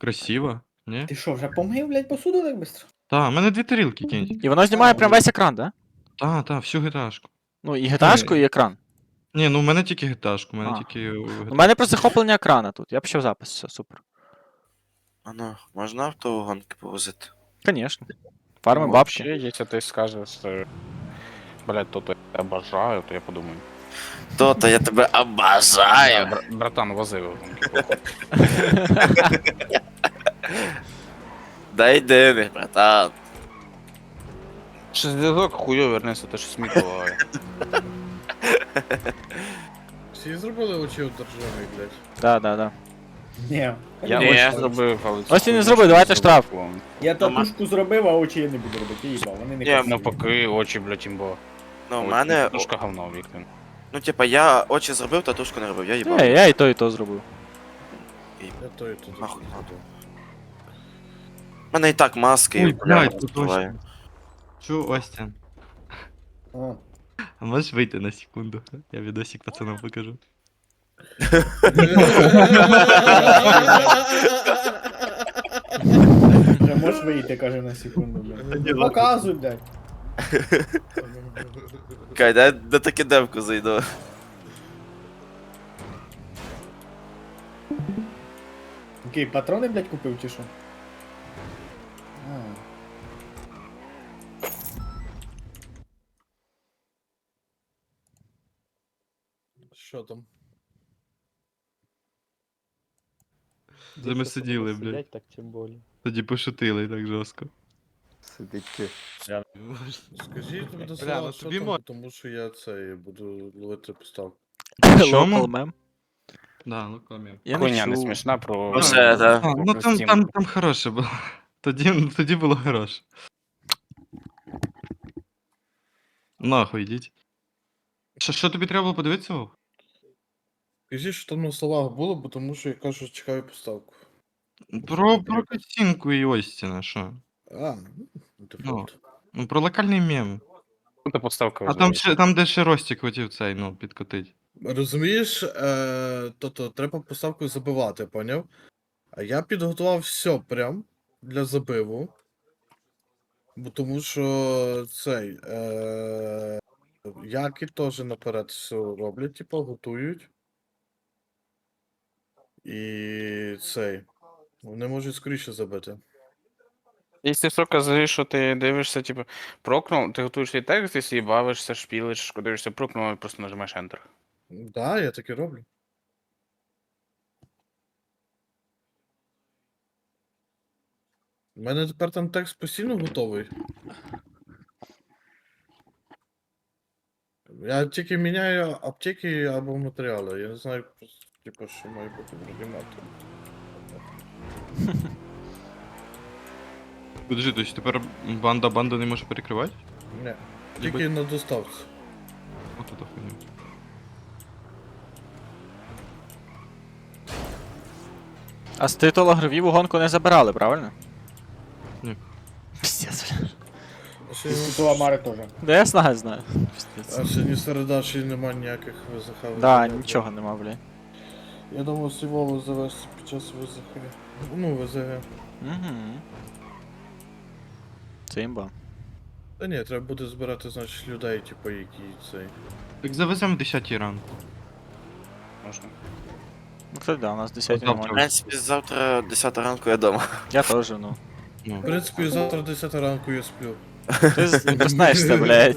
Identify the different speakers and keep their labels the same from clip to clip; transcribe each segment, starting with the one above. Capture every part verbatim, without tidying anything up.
Speaker 1: красиво, ні?
Speaker 2: Ти що, вже помив, блядь, посуду так быстро?
Speaker 1: Та, в мене дві тарілки кінь.
Speaker 3: І воно знімає прям весь екран, да?
Speaker 1: Та, та, всю гіташку.
Speaker 3: Ну, і гіташку,
Speaker 1: Ні.
Speaker 3: і екран.
Speaker 1: Ні, ну в мене тільки гіташку, в мене
Speaker 3: А.
Speaker 1: тільки.
Speaker 3: У мене просто захоплення екрана тут. Я почав запис, все, супер.
Speaker 4: Ано, можна автогонки повозити?
Speaker 3: Конечно. Фарми
Speaker 5: Ну,
Speaker 3: бабки.
Speaker 5: Вообще, если ты скажешь, э, блядь, то я обожаю, то я подумаю.
Speaker 4: То-то я тебе
Speaker 5: Да,
Speaker 4: обожаю.
Speaker 5: бра- братан, вози його.
Speaker 4: Дай денег, братан.
Speaker 5: Що зв'язок хуйо вернеться, то що сміх буває.
Speaker 6: Всі зробили очі у державі, блядь.
Speaker 3: Да, да, да.
Speaker 2: Ні.
Speaker 3: Я
Speaker 4: Ні.
Speaker 5: Я зробив, але... це
Speaker 3: Ось і не
Speaker 5: хуйня,
Speaker 3: зробив,
Speaker 5: що
Speaker 3: давайте
Speaker 5: не
Speaker 3: штраф.
Speaker 5: зробив.
Speaker 2: Я татушку зробив, а очі я не буду робити, я їбав, вони не
Speaker 4: Ні,
Speaker 2: красиві.
Speaker 5: Навпаки, очі, блядь, імбо.
Speaker 4: Ну, в мене.
Speaker 5: Тушка говно, Віктор.
Speaker 4: Ну, типа, я очі зробив, татушку не робив, я їбав.
Speaker 3: Я, я і то, і то зробив.
Speaker 6: Я то і тут.
Speaker 4: Нахуй надо. У мене і так маски, і
Speaker 1: Ой,
Speaker 4: окуляри
Speaker 1: блядь, тут
Speaker 4: закриваю.
Speaker 1: Остін. Чу, Остін.
Speaker 2: О.
Speaker 1: А можеш вийти на секунду? Я відосик пацанам покажу.
Speaker 2: Вже можеш вийти, каже на секунду, блядь. Показуй, блядь.
Speaker 4: Кай, дай на таке демку зайду.
Speaker 2: Окей, патрони, блядь, купив чи що? А.
Speaker 6: Що там?
Speaker 1: Де ми сиділи, блядь.
Speaker 7: Так тим більше.
Speaker 1: Тоді пошутили так жорстко.
Speaker 7: Сидить.
Speaker 6: Скажіть мені до
Speaker 1: Бля,
Speaker 6: слова,
Speaker 1: ну
Speaker 6: що
Speaker 1: тобі
Speaker 6: там,
Speaker 1: мо-
Speaker 6: тому що я цей буду ловити поставку.
Speaker 1: Чому?
Speaker 3: Local mem.
Speaker 1: Да, ну комір.
Speaker 3: Я
Speaker 5: Хуйня не
Speaker 3: чув.
Speaker 5: смішна про...
Speaker 4: Ну, все, да.
Speaker 1: А, ну там, там, там хороше було. Тоді, тоді було хороше. Нахуй йдіть. Що, що тобі треба було подивитися? Вов?
Speaker 6: Скажіть, що там на словах було, бо тому що я кажу, чекаю поставку.
Speaker 1: Про, про картинку і Остіна, що?
Speaker 6: А, ну дефолт.
Speaker 1: Ну, про локальний мем.
Speaker 5: Це подставка.
Speaker 1: А там, ще, там де ще Ростік хотів цей, ну, підкотить.
Speaker 6: Розумієш, е, то-то треба поставку забивати, поняв? А я підготував все прям для забиву. Бо тому що цей. Е, Яки теж наперед все роблять, типу, готують. І цей. Вони можуть скоріше забити.
Speaker 5: Якщо що казали, що ти дивишся, типу, прокнув, ти готуєш свій текст, ти собі бавишся, шпілиш, дивишся прокнув, і просто нажимаєш Enter.
Speaker 6: Так, да, я так і роблю. У мене тепер там текст постійно готовий. Я тільки міняю аптеки або матеріали. Я не знаю, типу, що має бути в регіоналі.
Speaker 1: Подожди, то есть тепер банда банду не може перекривати?
Speaker 6: Ні. Тільки на доставці.
Speaker 1: От это хуйня.
Speaker 3: А з титула гравів у гонку не забирали, правильно?
Speaker 1: Ні.
Speaker 3: Піздець.
Speaker 6: А ще,
Speaker 2: І Світова Мари теж.
Speaker 3: Да я знаю, знаю. Піздець.
Speaker 6: а ще ні середа, ще й нема ніяких ВЗХ.
Speaker 3: Да, нічого нема, блядь.
Speaker 6: Я думав Сівову завести під час ВЗХ. Ну, ВЗГ.
Speaker 3: Угу. Це імба.
Speaker 6: Та ні, треба буде збирати, значить, людей, типу, які цей.
Speaker 1: Так завеземо в десятій ранку.
Speaker 5: Можна.
Speaker 3: Ну, кстати, да, у нас десять
Speaker 1: Завтра.
Speaker 4: В
Speaker 3: нормально.
Speaker 4: принципі, завтра десята ранку я дома.
Speaker 3: Я теж, ну.
Speaker 1: Ну.
Speaker 6: В принципі, завтра десята ранку я сплю.
Speaker 3: Ти з- не проснаєшся, блядь.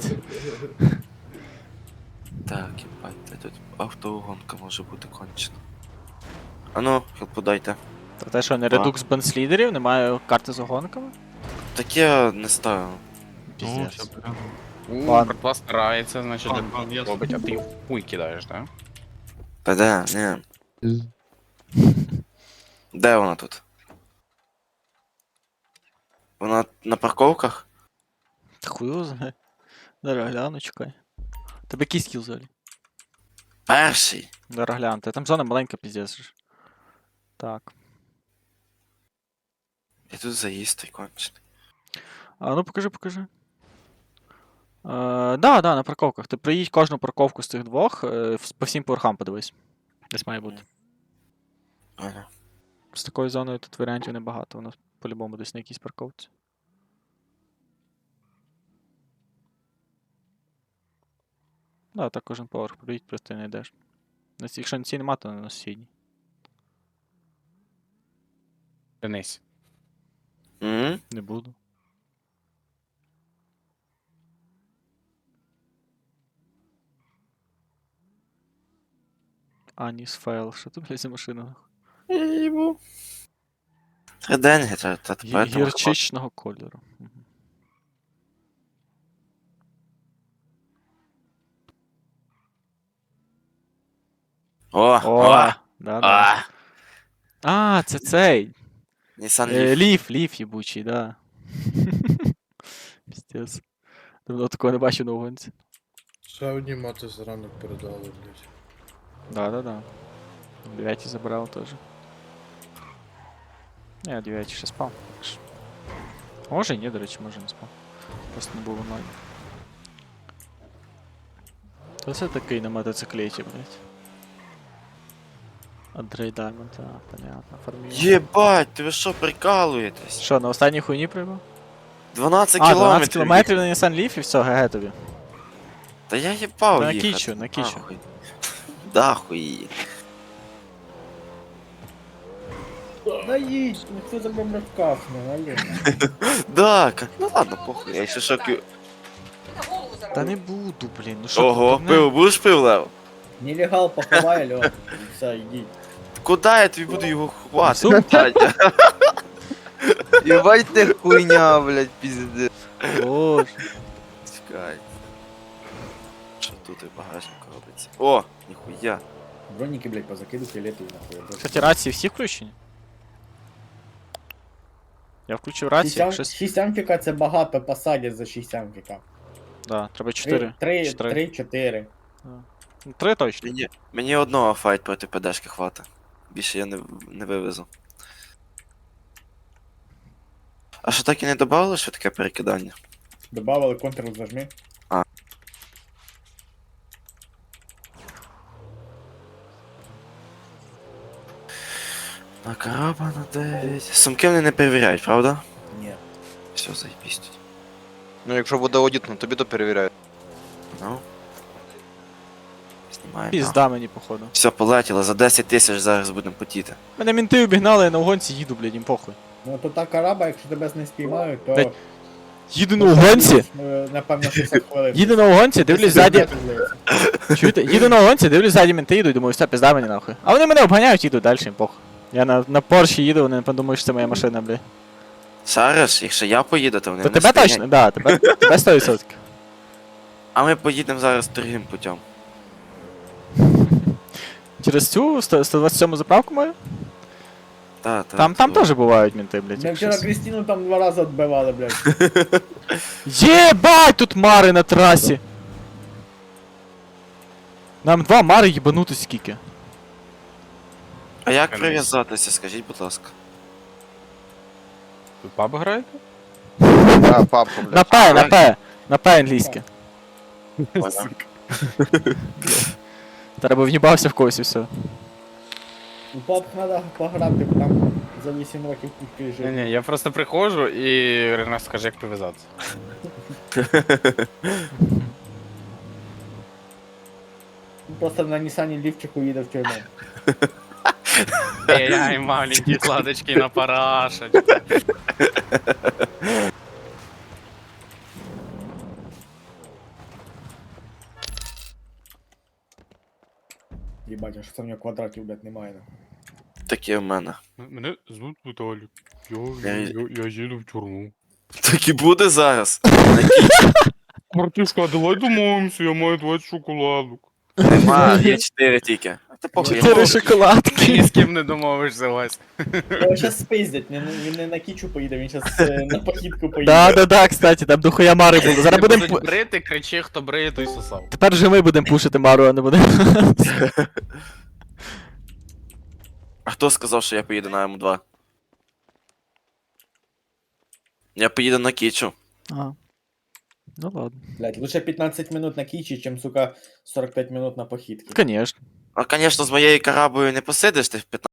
Speaker 4: Так, єбать, де тут автогонка може бути кончена. А ну, хелпу дайте.
Speaker 3: Та те, що не редукс бенслідерів, немає карти з огонками?
Speaker 4: Так я не ставив.
Speaker 1: Ну,
Speaker 3: Піздець.
Speaker 1: все прямо.
Speaker 5: У,
Speaker 3: Ладно.
Speaker 5: братва старається, значить,
Speaker 1: Ладно, ладно, я
Speaker 5: робить, а ти хуй кидаєш, так?
Speaker 4: Та де, ні. Де вона тут? Вона на парковках?
Speaker 3: Та хуй його знає. Зараз гляну, чекай. Тебе який скіл взагалі?
Speaker 4: Перший.
Speaker 3: Зараз глянути. Там зона маленька, піздець. ж. Так.
Speaker 4: І тут заїзд той кончений.
Speaker 3: А ну покажи, покажи. Е, да, да, на парковках. Ти приїдь кожну парковку з цих двох, е, в- по всім поверхам подивись. Десь має бути.
Speaker 4: Ага.
Speaker 3: З такою зоною тут варіантів небагато, воно по-любому десь на якійсь парковці. Да, так кожен поверх проїдь, просто не йдеш. На цій- Якщо на цій нема, то на сусідній.
Speaker 5: Денис.
Speaker 4: М?
Speaker 3: Не буду. Аніс файл, що це, блядь, за машина?
Speaker 4: Їбу. Три деньги, та, та
Speaker 3: Гі-
Speaker 4: тепер там
Speaker 3: Гірчичного кольору. Мгм.
Speaker 4: О,
Speaker 3: О,
Speaker 4: о,
Speaker 3: да, да.
Speaker 4: а,
Speaker 3: А, це цей.
Speaker 4: Nissan
Speaker 3: Е,
Speaker 4: Leaf.
Speaker 3: Ліф, ліф єбучий, да. Пістец. Давно такого не бачив на гонці.
Speaker 6: Ще одні мати зранок передали, блядь.
Speaker 3: Да, да, да. Дев'ятий забрав теж. Не, я дев'ятий ще спав. так що. Може і ні, до речі, може не спав. Просто не був онлайн. То це такий на мотоциклеті, блядь. Андрей Даймонд, а, понятно, фармів.
Speaker 4: Єбать, ти ви що, прикалуєтесь?
Speaker 3: Що, на останній хуйні прибув?
Speaker 4: дванадцять
Speaker 3: А, дванадцять
Speaker 4: кілометрів.
Speaker 3: кілометрів на Nissan Leaf і все, ГГ тобі.
Speaker 4: Та я їбав
Speaker 3: На
Speaker 4: їхати.
Speaker 3: кічу, на кічу.
Speaker 4: Нахуй. Да, хуї.
Speaker 2: Да їдь, ну хто за мною вкафне, алло.
Speaker 4: Да, ка- ну ладно, похуй, я ще шоки.
Speaker 3: Та не буду, блін, ну що
Speaker 4: Ого,
Speaker 3: ти, не-
Speaker 4: пиво, будеш пив, Лев?
Speaker 2: Нелегал поховай, алло. Все, йдіть.
Speaker 4: Куди я тобі буду його ховати?
Speaker 3: Сумку?
Speaker 4: Дядя?
Speaker 7: Ебать ты хуйня, блядь, пиздец.
Speaker 3: Боже.
Speaker 4: Чекай. Що тут і в багажнику робиться? О, ніхуя.
Speaker 2: Броніки, блядь, позакидуть і летують нахуй.
Speaker 3: Кстати, рації всі включені? Я включив рацію,
Speaker 2: Шість
Speaker 3: щось...
Speaker 2: шість амфіка це багато посадять за шість амфіка.
Speaker 3: Да, треба чотири.
Speaker 2: Три,
Speaker 3: Чотири.
Speaker 2: три, чотири.
Speaker 3: Ну, три точно.
Speaker 4: Мені, мені одного файт проти ПДшки хвата. Більше я не, не вивезу. А що так і не додавали, що таке перекидання?
Speaker 2: Добавили контрол зажми.
Speaker 4: На караба на дев'ять. Сумки вони не перевіряють, правда?
Speaker 2: Ні.
Speaker 4: Все, заєбісь тоді.
Speaker 7: Ну, якщо буде аудит, ну тобі то перевіряють.
Speaker 4: Ну. Знімаємо.
Speaker 3: Пізда мені, походу.
Speaker 4: Все, полетіло, за десять тисяч зараз будемо потіти.
Speaker 3: Мене мінти обігнали, я на угонці їду, блядь, їм похуй.
Speaker 2: Ну то та караба, якщо тебе не спіймають, то...
Speaker 3: Блядь, Їду на угонці,
Speaker 2: Е, Напевно, шістдесят хвилин.
Speaker 3: їду на угонці, дивлюсь ззаді.
Speaker 2: десять здається.
Speaker 3: Чуєте? Їду на угонці, дивлюсь ззаді мінти їдуть, думаю, все, пізда мені нахуй. А вони мене обганяють, їдуть далі, їм похуй. Я на, на Порші їду, вони подумають, що це моя машина, блядь.
Speaker 4: Зараз, якщо я поїду, то вони
Speaker 3: То
Speaker 4: не
Speaker 3: тебе
Speaker 4: стоять.
Speaker 3: точно? Да, тебе, тебе сто відсотків.
Speaker 4: А ми поїдемо зараз другим путем.
Speaker 3: Через цю сто двадцять сьому заправку мою?
Speaker 4: Та, та,
Speaker 3: Там, там
Speaker 4: то.
Speaker 3: теж бувають мінти, блядь.
Speaker 2: Ми
Speaker 3: якщо
Speaker 2: вчора
Speaker 3: щось.
Speaker 2: Крістіну там два рази відбивали, блядь.
Speaker 3: Єбать, тут мари на трасі. Нам два мари їбанути скільки.
Speaker 4: А як
Speaker 5: Конечно.
Speaker 4: прив'язатися, скажіть, будь ласка.
Speaker 5: Ви паб граєте?
Speaker 7: Да, папку,
Speaker 3: На
Speaker 7: блядь.
Speaker 3: П, на П. На П англійське.
Speaker 4: Понял?
Speaker 3: Треба в'їбався в когось і все.
Speaker 2: У пап треба пограти, бо там за вісім років кучки
Speaker 5: Ні,
Speaker 2: жив.
Speaker 5: ні, я просто приходжу і Ренат скаже, як прив'язатися.
Speaker 2: Просто на Нісані лівчику їде в тюрму.
Speaker 5: Ей-ай, маленькі сладочки на парашечку.
Speaker 2: Їбать, а що це в нього квадратів, блядь, немає. нахуй.
Speaker 4: Таке в мене.
Speaker 5: Мене звуть Віталік.
Speaker 4: Я-
Speaker 5: Я, я, я їду в тюрму.
Speaker 4: Так і буде зараз.
Speaker 5: Братишка, давай домовимося, я маю двадцять шоколадок.
Speaker 4: Нема, є чотири тільки. А ти похуй, я
Speaker 3: Чотири
Speaker 4: можу.
Speaker 5: Ти
Speaker 3: шоколадки.
Speaker 5: ні з ким не домовишся, Вась.
Speaker 2: Його щас спиздять, він, він не на кічу поїде, він щас е, на похідку поїде.
Speaker 3: Да, да, да, кстати, там дохуя мари було. Зараз
Speaker 5: Ти
Speaker 3: будемо.
Speaker 5: будуть
Speaker 3: пу-
Speaker 5: брити, кричи, хто бриє, той сосав.
Speaker 3: Тепер же ми будемо пушити мару, а не будемо.
Speaker 4: А хто сказав, що я поїду на М два? Я поїду на Кічу.
Speaker 3: Ага. Ну ладно.
Speaker 2: Блядь, лучше п'ятнадцять минут на кічі, чим, сука, сорок п'ять минут на похідки.
Speaker 3: Конечно.
Speaker 4: А, звісно, з моєю карабою не посидиш ти в